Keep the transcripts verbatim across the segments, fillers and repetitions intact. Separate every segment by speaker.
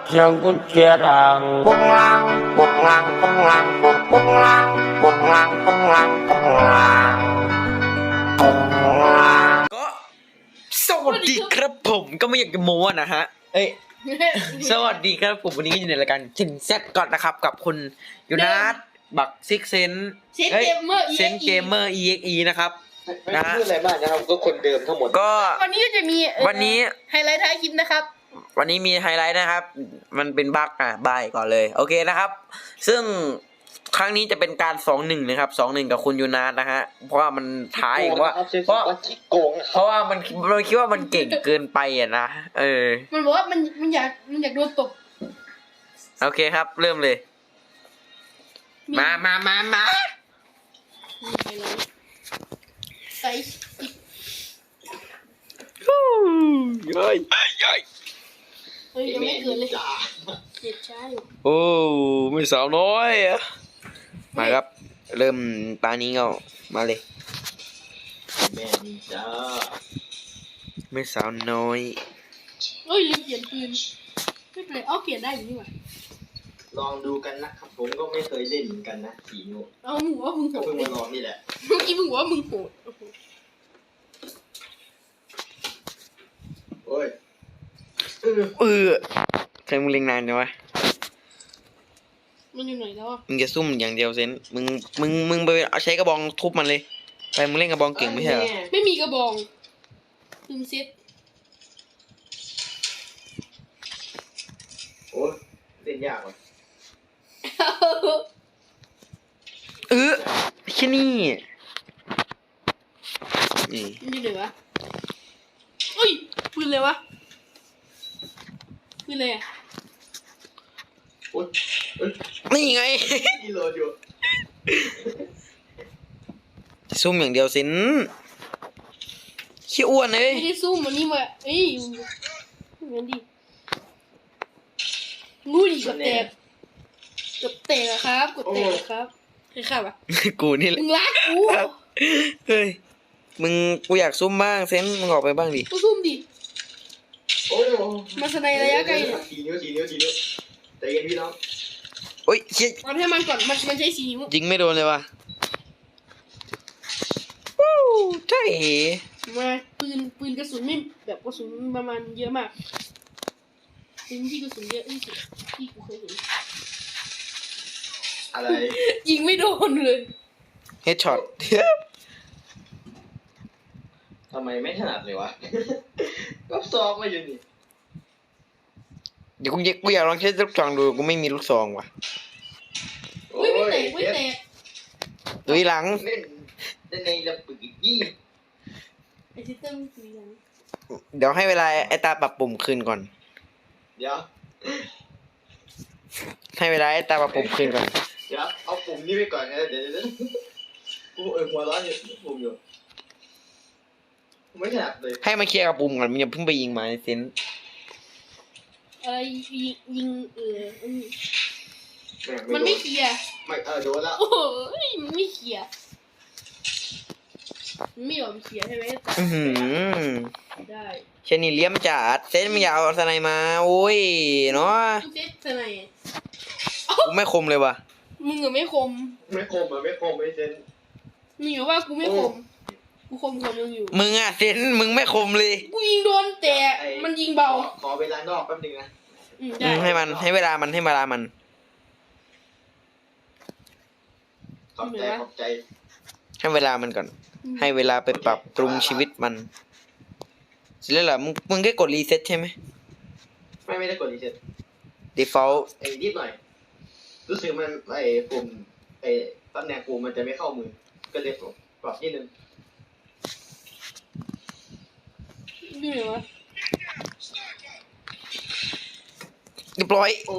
Speaker 1: เสียงกุญแจดังปุ้งลังปุ้งลังปุ้งลังปุ้งปุ้งลังปุ้งลังปุ้งลังปุ้งลังปุ้งลัง
Speaker 2: ก็สวัสดีครับผมก็ไม่อยากจะโม้นะฮะเอ้ย สวัสดีครับผมวันนี้ก็อยู่ในรายการจินแซดก่อนนะครับกับคุณยูนัทบักซิกเซน
Speaker 3: เซนเกมเมอร์
Speaker 2: เซนเกมเมอร์ อี เอ็กซ์ อี นะครับ
Speaker 4: ไม่ต้องพูดอะไรมากนะครับก็คนเดิมทั้งหมด
Speaker 2: ก็
Speaker 3: วันนี้ก็จะมี
Speaker 2: วันนี้
Speaker 3: ไฮไลท์ท้ายคลิปนะครับ
Speaker 2: วันนี้มีไฮไลท์นะครับมันเป็นบั๊กอ่ะบายก่อนเลยโอเคนะครับซึ่งครั้งนี้จะเป็นการสองหนึ่งนะครับสองหนึ่งกับคุณยูนาทนะฮะเพราะว่ามันท้ายว่าเพราะเพราะว่ามันมันคิดว่ามันเก่งเกินไปอ่ะนะเออ
Speaker 3: มันบอกว่ามันมันอยากมันอยากโดนตบ
Speaker 2: โอเคครับเริ่มเลยมามามามา
Speaker 3: ใส่
Speaker 2: ฮู้ย้อยย้อย
Speaker 3: เฮ้ยยังไม่เกินเลยเจ็บช้าอยู่
Speaker 2: โอ้ไม่สาวน้อยอ่ะมาครับเริ่มตานี้ก็มาเลย
Speaker 4: แม่นี่จ้า
Speaker 2: ไม่สาวน้อย
Speaker 3: เฮ้ยลืมเปลี่ยนปืนไม่เป็นไรเอาเปลี่ยนได้อยู่นี่หว่า
Speaker 4: ลองดูกันนะครับผมก็ไม่เคยเล่นเหมือนกันนะสีนิ้ว
Speaker 3: เอามึงว่ามึงโหด
Speaker 4: เพิ่งมาลองนี่แหละ
Speaker 3: เมื่อกี้มึงว่ามึงโหด
Speaker 4: โอ้ย
Speaker 2: เออเออใครมึงเล็งนานจังวะ
Speaker 3: มันอยู่ไหนแล้วอ่ะ
Speaker 2: มึงจะซุ่มอย่างเดียวเซนมึงมึงมึงไปเอาใช้กระบองทุบมันเลยไปมึงเล่นกระบองเก่งไม่ใช่เหรอ
Speaker 3: ไม่มีกระบองลืมเซ็ต
Speaker 4: โอ้เล่นยากว่ะ
Speaker 2: เออแค่นี้นี่
Speaker 3: มันอยู่ไหนวะเอ้ยปืนเลยวะปืนเลยอ่ะ
Speaker 4: โอ้ย
Speaker 2: นี่ไง
Speaker 4: นี่โหลดอยู่
Speaker 2: ซุ่มอย่างเดียวสินขี้อ้วนเลย
Speaker 3: ไม่ได้ซุ่มวันนี้มาเอ้ยเหมือนดิงูดิกับแตกกับแตกครับกับแตกครับใครขับอ่ะ
Speaker 2: กูนี่แหละ
Speaker 3: มึงรักกู
Speaker 2: เฮ้ยมึงกูอยากซุ่มบ้างเซนมึงออกไปบ้างดิ
Speaker 3: กูซุ่มดิ
Speaker 4: โอ้ย
Speaker 3: มาสไนระยะไกล
Speaker 4: สี่นิ้วสี่นิ้วสี่นิ้วใจเย็นพี่น้อง
Speaker 2: โอ้ยเชี่ย
Speaker 3: เอาให้มันก่อนมันมันใช้สีนิ้ว
Speaker 2: ยิงไม่โดนเลยว่ะวู้ใช่
Speaker 3: มาปืนปืนกระสุนไม่แบบกระสุนประมาณเยอะมากปืนที่กระสุนเยอะที่สุดที่กูเคยเห็น
Speaker 4: อะไร
Speaker 3: ยิงไม่โดนเลย
Speaker 2: เฮดช็อต
Speaker 4: ทำไมไม่ถนัดเลยวะก็ซ้อมมาอยู่นี่
Speaker 2: เดี๋ยวกูอยากกูอยากลองใช้ลูกซองดูกูไม่มีลูกซองว่ะ
Speaker 3: โอ้ยไม่แตกไม่แตก
Speaker 2: ดูหลัง
Speaker 4: เล่นเล่นในระเบิดยี่
Speaker 3: ไอซิสเต็มคุยกัน
Speaker 2: เดี๋ยวให้เวลาไอตาปรับปุ่มคืนก่อน
Speaker 4: เดี๋ยว
Speaker 2: ให้เวลาไอตาปรับปุ่มคืนก่อน
Speaker 4: เดี๋ยวเอาปุ่มนี้ไปก่อนนะเดี๋ยวเดี๋ยวกูเออหัวร้อนอยู่ปุ่มอยู่ไม่ถนัดเลย
Speaker 2: ให้มาเคลียร์กับปุ่มก่อนมึงอย่าเพิ่งไปยิงมาในเซน
Speaker 3: อะไรยิงยิงเออมันไม่เคลียร์
Speaker 4: ไม่เออโดนแล้ว
Speaker 3: โอ้ยมันไม่เคลียร์ไม่ยอมเคลียร์ใช่ไหม
Speaker 2: อือหือ
Speaker 3: ได้
Speaker 2: เชนี่เลี้ยมจัดเซนมึงอย่าเอาสไนมาโอ้ยเนาะ
Speaker 3: เซนสไน
Speaker 2: กูไม่คมเลยว่ะ
Speaker 3: มึงอะไม่คม
Speaker 4: ไม่คมอ่ะไม่คมไม่เซน
Speaker 3: มึงอยู่ว่ากูไม่คมกูคมคมมึงอยู่
Speaker 2: มึงอะเซนมึงไม่คมเลย
Speaker 3: กูยิงโดนแต่มันยิงเบา
Speaker 4: ขอเวลานอกแป๊บนึงนะ
Speaker 2: ให้มันให้เวลามันให้เวลามัน
Speaker 4: ขอบใจขอบใจ
Speaker 2: ให้เวลามันก่อนให้เวลาไปปรับปรุงชีวิตมันเสร็จแล้วเหรอมึงมึงแค่กดรีเซ็ตใช่ไหม
Speaker 4: ไม่ไม่ได้กดรีเซ็ต
Speaker 2: default
Speaker 4: ไอ้นิดหน่อยรู้สึกมันไอ้ปุ่มไอ้ตำแหน่งปุ่มมันจะไม่เข้ามือก็เลยปรับนิดนึง
Speaker 3: นี่เหรอ
Speaker 2: เรียบร้อย
Speaker 4: โอ้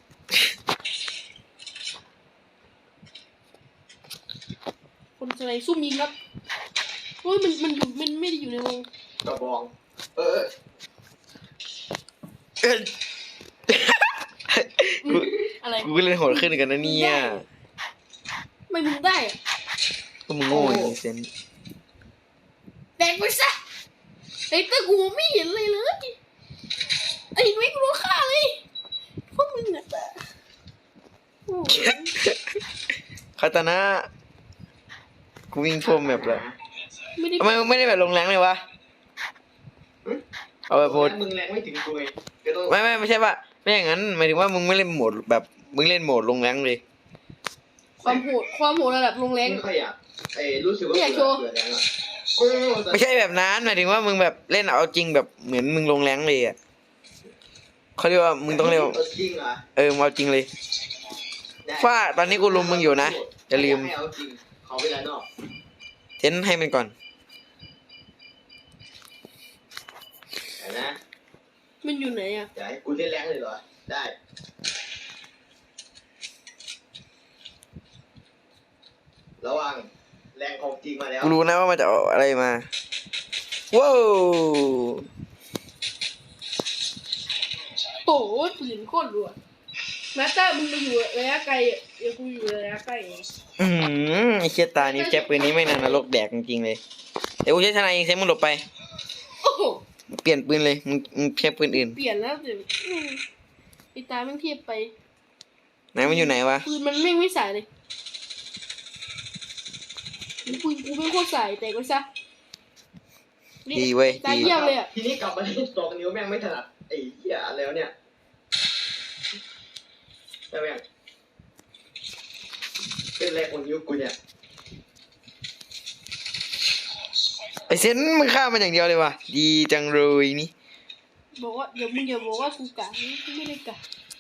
Speaker 3: คนสไนซุ่มยิงครับโอ้ยมันมันอยู่มันไม่ได้อยู่ในวง
Speaker 4: กระบองเออ
Speaker 3: อะไร
Speaker 2: กูเล่นโหดขึ้นกันนะเนี่ย
Speaker 3: ไม่มึงได้
Speaker 2: ก็มึงโง่จริงเซน
Speaker 3: แตกไปซะไอ้ตะกูไม่เห็นเลยเลยไอ้ไม่กูรู้ค่าเลย
Speaker 2: คาตานะกูวิ่งทั่วแมปเลย
Speaker 3: ไม่ได้
Speaker 2: ทำไมมึงไม่ได้แบบลงแรงเลยวะเอาแบบโหมด
Speaker 4: มึงแรงไม่ถึงกูไงก็ต้อง
Speaker 2: ไม่ไม่ไม่ใช่ป่ะไม่อย่างนั้นหมายถึงว่ามึงไม่เล่นโหมดแบบมึงเล่นโหมดลงแรงเลย
Speaker 3: ความโหดความโหดระดับลงแรง
Speaker 4: ไม่ค่อยอยากไอ้รู้สึกว่า
Speaker 3: ไม่อยากโชว์
Speaker 4: เบื่อแรงอ่ะโอ้ย
Speaker 2: ไม่ใช่แบบนั้นหมายถึงว่ามึงแบบเล่นเอาจริงแบบเหมือนมึงลงแรงเลยอ่ะเขาเรียกว่ามึงต้องเรียกว่า
Speaker 4: เอาจริงเหรอ
Speaker 2: เออมึงเอาจริงเลยฟ้าตอนนี้กูลุมมึงอยู่นะอย่าลืม
Speaker 4: ให้เอาจริงขอเวลานอก
Speaker 2: เทนให้มันก่อน
Speaker 4: แต่นะ
Speaker 3: มันอยู่ไหนอ่ะ
Speaker 4: จะให้กูเล่นแรงเลยเหรอได้ระวังแรงของจริงมาแล้ว
Speaker 2: กูรู้นะว่ามันจะเอาอะไรมาว้าว
Speaker 3: โอ้โหปืนโคตรรัวมาสเตอร์มึงไปอยู่ระยะไกลอ่ะเดี๋ยวกูอยู่ระยะใกล้เอง
Speaker 2: อืมไอเชี่ยตานี้แจ็บปืนนี้ไม่นานนรกแดกจริงๆเลยเดี๋ยวกูใช้ทนายเองเซฟมึงหลบไป
Speaker 3: โอ้โห
Speaker 2: เปลี่ยนปืนเลยมึงมึงใช้ปืนอื่น
Speaker 3: เปลี่ยนแล้วเดี๋ยวอืมไอ้ตาแม่งเทียบไป
Speaker 2: ไหนมันอยู่ไหนวะ
Speaker 3: ปืนมันแม่งไม่ใส่เลยปืนกูไม่โคตรใส่แต่ก็ซะนี่
Speaker 2: ดีเว้ย
Speaker 3: ตา
Speaker 2: ดี
Speaker 3: เยี่ยมเลยอ่ะ
Speaker 4: ทีนี้กลับมาเล่นสองนิ้วแม่งไม่ถนัดไอ้เหี้ยแล้วเนี่ยแต่แม่งเป็นแรงของนิ้วกูเนี่ย
Speaker 2: ไอเซนมึงฆ่ามันอย่างเดียวเลยวะดีจังเลยนี่
Speaker 3: บอกว่าเดี๋ยวมึงอย่าบอกว่ากูกะกูไม่ได้กะ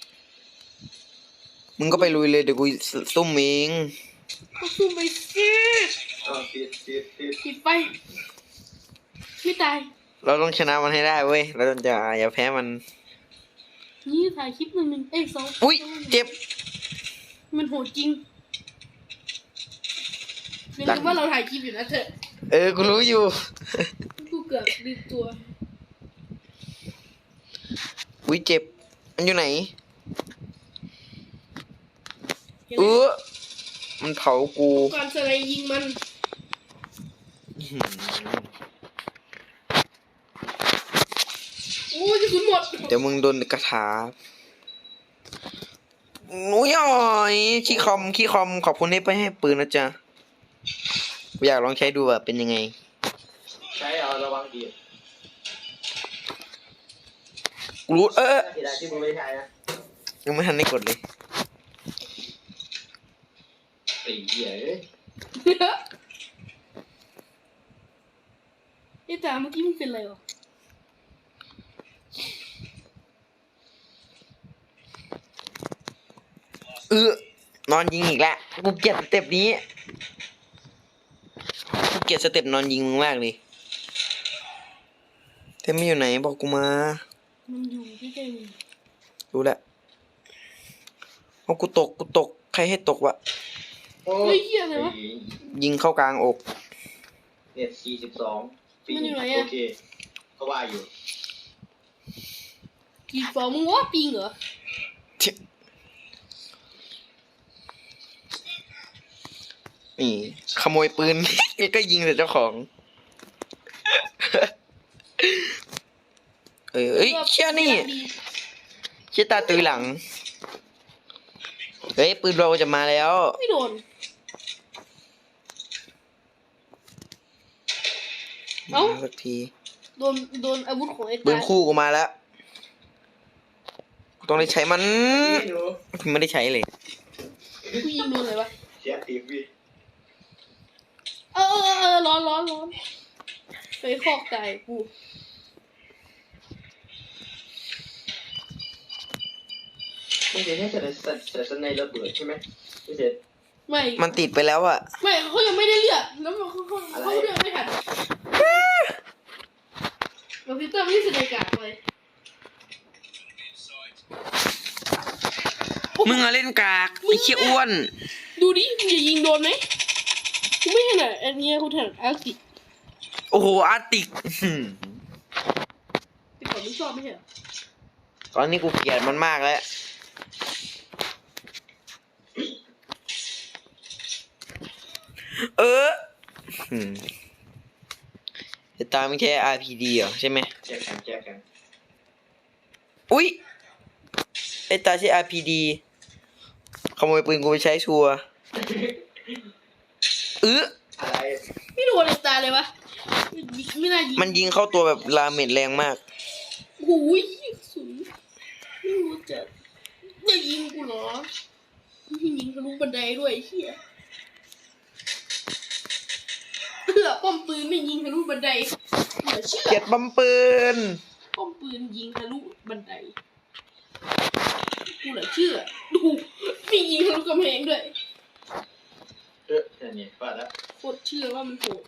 Speaker 2: มึงก็ไปลุยเลยเดี๋ยวกูซุ่มเอง
Speaker 3: ก็สู้ไปสิ
Speaker 4: อ้าวติดติดติด
Speaker 3: ปิดไปไม่ตาย
Speaker 2: เราต้องชนะมันให้ได้เว้ยเราต้องจะอย่าแพ้มัน
Speaker 3: นี่ถ่ายคลิปหนึ่งหนึ่งเอ้ยสอง
Speaker 2: อุ้ยเจ็บ
Speaker 3: มันโหดจริงอย่า
Speaker 2: หลั
Speaker 3: ลื
Speaker 2: ง
Speaker 3: มว่าเราถ่ายคลิปอยู่นะเถอะ
Speaker 2: เออกูรู้อยู่
Speaker 3: กูเกือบลืมตัว
Speaker 2: อุ้ยเจ็บมันอยู่ไหน
Speaker 3: เห็น
Speaker 2: เอ
Speaker 3: ไหม
Speaker 2: อมันเผากู
Speaker 3: ก่อนสไลด์ยิงมัน
Speaker 2: อื้อหือ
Speaker 3: โอ้ยกระสุนหมด
Speaker 2: เดี๋ยวมึงโดนกระถาหนูย่อยขี้คอมขี้คอมขอบคุณที่ไปให้ปืนนะจ๊ะกูอยากลองใช้ดูว่าเป็นยังไง
Speaker 4: ใช้เอาระวังดี
Speaker 2: กูรู้เออ
Speaker 4: เสียดายที่มึงไม่ใช้นะ
Speaker 2: ยังไม่ทันได้กดเลย
Speaker 4: ไอ้เหี้ยเอ้ย
Speaker 3: ไอ้ตาเมื่อกี้มันเป็นอะไรวะ
Speaker 2: เออนอนยิงอีกแล้วกูเกลียดสเต็ปนี้กูเกลียดสเต็ปนอนยิงมึงมากเลยเต็มไม่อยู่ไหนบอกกูมา
Speaker 3: มันอยู่ใกล้ๆมึง
Speaker 2: รู้แล้วเอากูตกกูตกใครให้ตกวะ
Speaker 4: โอ้
Speaker 3: เฮ้ยเหี้ยอะไรวะ
Speaker 2: ยิงเข้ากลางอก
Speaker 4: เน็ตสี่สิบสอง
Speaker 3: มันอยู่ไหนอะ
Speaker 4: โอเคก็ว่าอยู่
Speaker 3: กี่ฟองมึงว่าปิงเหรอ
Speaker 2: นี่ขโมยปืน ก็ยิงใส่เจ้าของ เออเอ้ยเชี่ยนี่เชี่ยตาตุยหลัง เฮ้ยปืนเราจะมาแล้ว
Speaker 3: ไม่โดน เอ้า
Speaker 2: มาสักที
Speaker 3: โดนโดนอาวุธของไอ้
Speaker 2: ปื
Speaker 3: ตาน
Speaker 2: คู่กูมาแล้วกูต้องได้ใช้มัน
Speaker 4: นี่หนู
Speaker 2: ไม่ได้ใช้เลย
Speaker 3: กูยิงโดนเลยวะ
Speaker 4: เสียตีวี
Speaker 3: เออเออเออร้อนร้อนร้อนไปคอกตายกู
Speaker 4: ไม่ใช่แค่แต่แต่แต่สไนระเบิดใช่ไหมไม่ใช่
Speaker 3: ไม่
Speaker 2: มันติดไปแล้วอะ
Speaker 3: ไม่เขายังไม่ได้เลือกแล้วมันเขาเขาเขาเลือกไม่ทันเราพิเตอร์ไม่ได้แสดงการเลย
Speaker 2: มึงอะเล่นกากไอ้เชี่ยอ้วน
Speaker 3: ดูดิมึงจะยิงโดนไหมกูไม่ถนัดอันเนี้ยกูถนัดอาร์ติก
Speaker 2: โอ้โหอาร์ติกอื้อหือ
Speaker 3: แต่ก่อนไม่ชอบไม่ใช่เหรอ
Speaker 2: ตอนนี้กูเกลียดมันมากแล้ว เอออืมไอ้ตาไม่ใช่ อาร์ พี ดี เหรอใช่ไหม
Speaker 4: แจกกันแจกกัน
Speaker 2: อุ๊ยไอ้ตาใช่ อาร์ พี ดีขโมยปืนกูไปใช้ชัวร์เออ
Speaker 4: อะไร
Speaker 3: ไม่โดนเลยตาเลยวะไม่น่ายิง
Speaker 2: มันยิงเข้าตัวแบบลาเมดแรงมาก
Speaker 3: โอ้ยกระสุนไม่รู้จะจะยิงกูเหรอไม่ยิงทะลุบันไดด้วยไอ้เหี้ยเพื่อป้อมปืนไม่ยิงทะลุบันไดเหลือเชื่อ
Speaker 2: เกลียดบัมปืน
Speaker 3: ป้อมปืนยิงทะลุบันไดกูเหลือเชื่อดูไม่ยิงทะลุกำแพงด้วย
Speaker 4: เออแค่นี้ว่าแล้ว
Speaker 3: โคตรเชื่อว่ามันโหด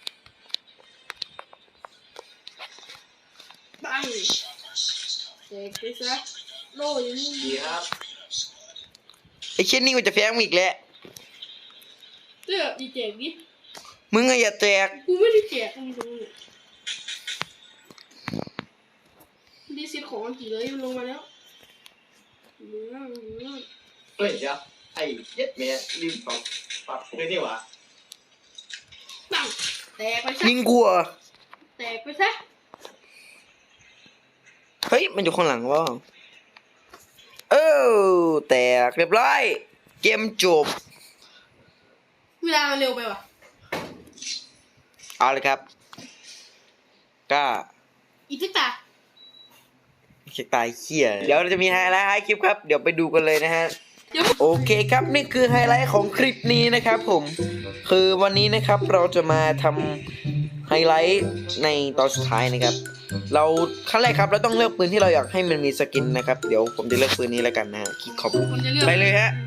Speaker 3: ปังแตกไปซะโล่ยังไม่
Speaker 4: ดีครับ
Speaker 2: ไอ้เช่นนี้กูจะแพ้มึงอีกแล้ว
Speaker 3: เสื้อดีแจกดิ
Speaker 2: มึงอะอย่าแตก
Speaker 3: กูไม่ได้แจกมึงตรงนี้ดีเซ็ตของอันกี่เลยมันลงมาแล้วเนื้อเนื้อ
Speaker 4: เฮ้ยเดี๋ยวไอ้เย็ดเมียลืมปรับปรับเลยนี่หว่า
Speaker 3: ปังแตกไปซะ
Speaker 2: ยิงกูเหรอ
Speaker 3: แตกไปซะ
Speaker 2: เฮ้ยมันอยู่ข้างหลังวะเออแตกเรียบร้อยเกมจบ
Speaker 3: เวลามันเร็วไปว่ะ
Speaker 2: เอาเลยครับก็
Speaker 3: อีกสักตา
Speaker 2: เช็คตายเขี้ยเดี๋ยวเราจะมีไฮไลท์ให้คลิปครับเดี๋ยวไปดูกันเลยนะฮะ
Speaker 3: เดี๋ยว
Speaker 2: โอเคครับนี่คือไฮไลท์ของคลิปนี้นะครับผมคือวันนี้นะครับเราจะมาทำไฮไลท์ในตอนสุดท้ายนะครับ เราขั้นแรกครับเราต้องเลือกปืนที่เราอยากให้มันมีสกินนะครับเดี๋ยวผมจะเลือกปืนนี้แล้วกันนะฮะคลิกขอบ
Speaker 3: คนจะเลือก
Speaker 2: ไปเลยฮะ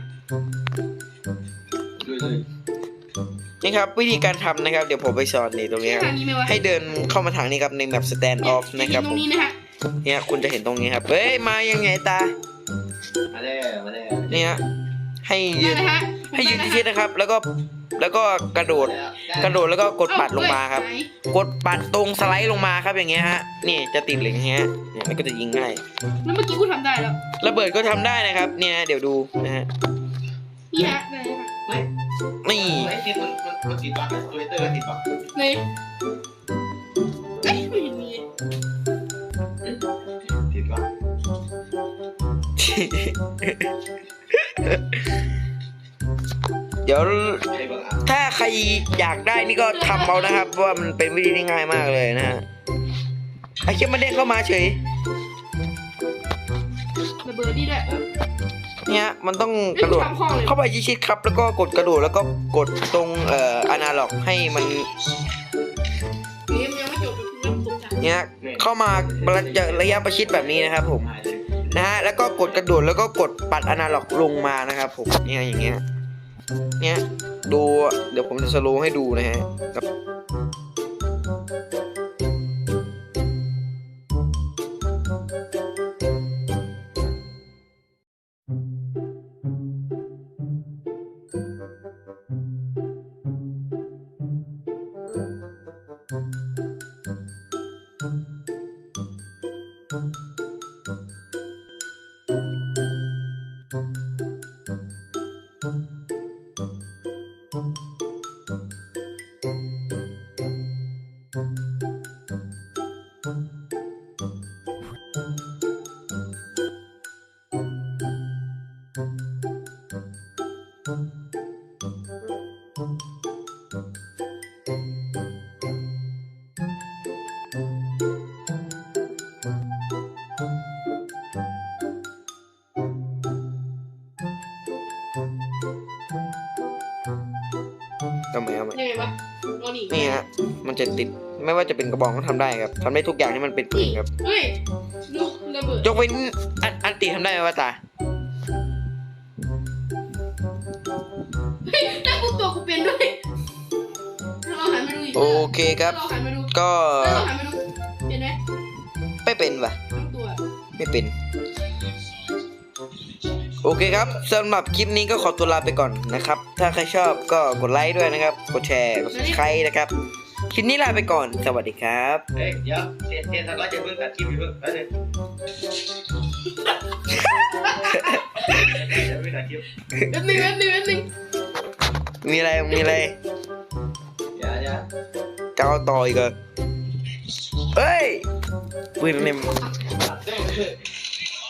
Speaker 4: ดูเลย
Speaker 2: นี่ครับวิธีการทำนะครับเดี๋ยวผมไปสอนนี่ตรงนี้ครับ
Speaker 3: ทางนี้ไหมวะ
Speaker 2: ให้เดินเข้ามาทางนี้ครับในแมป stand off นะครับ
Speaker 3: ต
Speaker 2: ผ
Speaker 3: รง
Speaker 2: ม
Speaker 3: นี้นะฮะ
Speaker 2: เนี่ยคุณจะเห็นตรงนี้ครับเฮ้ยมายังไงตา
Speaker 4: มาแล้วมาแล้ว
Speaker 2: เนี่ยให้ยืน
Speaker 3: ได้นะฮะ
Speaker 2: ให้ยืนที่ๆนะครับ แล้วก็แล้วก็กระโดด กระโดดแล้วก็กดปัดลงมาครับ
Speaker 3: ไหน
Speaker 2: กดปัดตรงสไลด์ลงมาครับอย่างเงี้ยฮะนี่จะติดเหลืองอย่างเงี้ยเนี่ยมันก็จะยิงง่าย
Speaker 3: แล้วเมื่อกี้กูทำได้แล้ว
Speaker 2: ระเบิดก็ทำได้นะครับ เนี่ยเดี๋ยวดูนะฮะ
Speaker 3: นี่ฮะได้ฮะ
Speaker 4: ไม่
Speaker 2: นี่
Speaker 4: ไอ้ที่มันมันมันติดบั๊กทวิตเตอร์ติดบั๊ก
Speaker 3: เลยเอ้ยไม่เห็นมี
Speaker 4: ติดบั๊ก
Speaker 2: เดี๋ยว
Speaker 4: ใครบ้างอ่ะ
Speaker 2: ถ้าใครอยากได้นี่ก็ทำเอานะครับเพราะว่ามันเป็นวิธีที่ง่ายมากเลยนะฮะไอ้เชี่ยมันเด้งเข้ามาเฉย
Speaker 3: ระเบิดนี่ด้วย
Speaker 2: เนี่ยมันต้องกระโดดเข้าไปชิดๆครับ แล้วก็กดกระโดดแล้วก็กดตรงเอ่ออนาล็อกให้มัน
Speaker 3: เกมยังไม่จบเริ่มตรงฉาก
Speaker 2: เนี่ยเข้ามาระยะระยะประชิดแบบนี้นะครับผม
Speaker 4: หายเลย
Speaker 2: นะฮะแล้วก็กดกระโดดแล้วก็กดปัดอนาล็อกลงมานะครับผมเนี่ยอย่างเงี้ยเนี่ยดูเดี๋ยวผมจะสโลว์ให้ดูนะฮะครับทำไมเอาไหม
Speaker 3: ยังไงวะเอาหนี
Speaker 2: นี่ฮะมันจะติดไม่ว่าจะเป็นกระบอกก็ทำได้ครับทำได้ทุกอย่างที่มันเป็นปืนครับ
Speaker 3: เฮ้ยดูระเบิด
Speaker 2: ยกเว้นอันอันตีทำได้ไหมวะตา
Speaker 3: เฮ้ยถ้ากูตัวกูเป็นด้วยถ้าเราหันมาดูอีก
Speaker 2: โอเคครับ
Speaker 3: ถ้าเราหันมาดู
Speaker 2: ก็
Speaker 3: ถ้าเราหันมาดูเห็นไหม
Speaker 2: ไม่เป็นว่ะ
Speaker 3: ทั้งตัว
Speaker 2: ไม่เป็น โอเคครับสำหรับคลิปนี้ก็ขอตัวลาไปก่อนนะครับ ถ้าใครชอบก็กดไลค์ด้วยนะครับ กดแชร์กด subscribe นะครับ คลิปนี้ลาไปก่อน สวัสดีครับ
Speaker 4: เฮ้ยเดี๋ยวเทียนเทียนสักร้อยจะเพิ่งตัดคลิปอีกเพิ่งแล้วนึงจะเพิ่งตัดคลิป
Speaker 3: แป๊บนึงแป๊บนึงแป๊บนึง
Speaker 2: มีอะไรมีอะไร
Speaker 4: เดี๋ยวเดี๋ยว
Speaker 2: จะเอาต่ออีกเหรอเฮ้ยปืนเนี่ย
Speaker 4: ตัดได้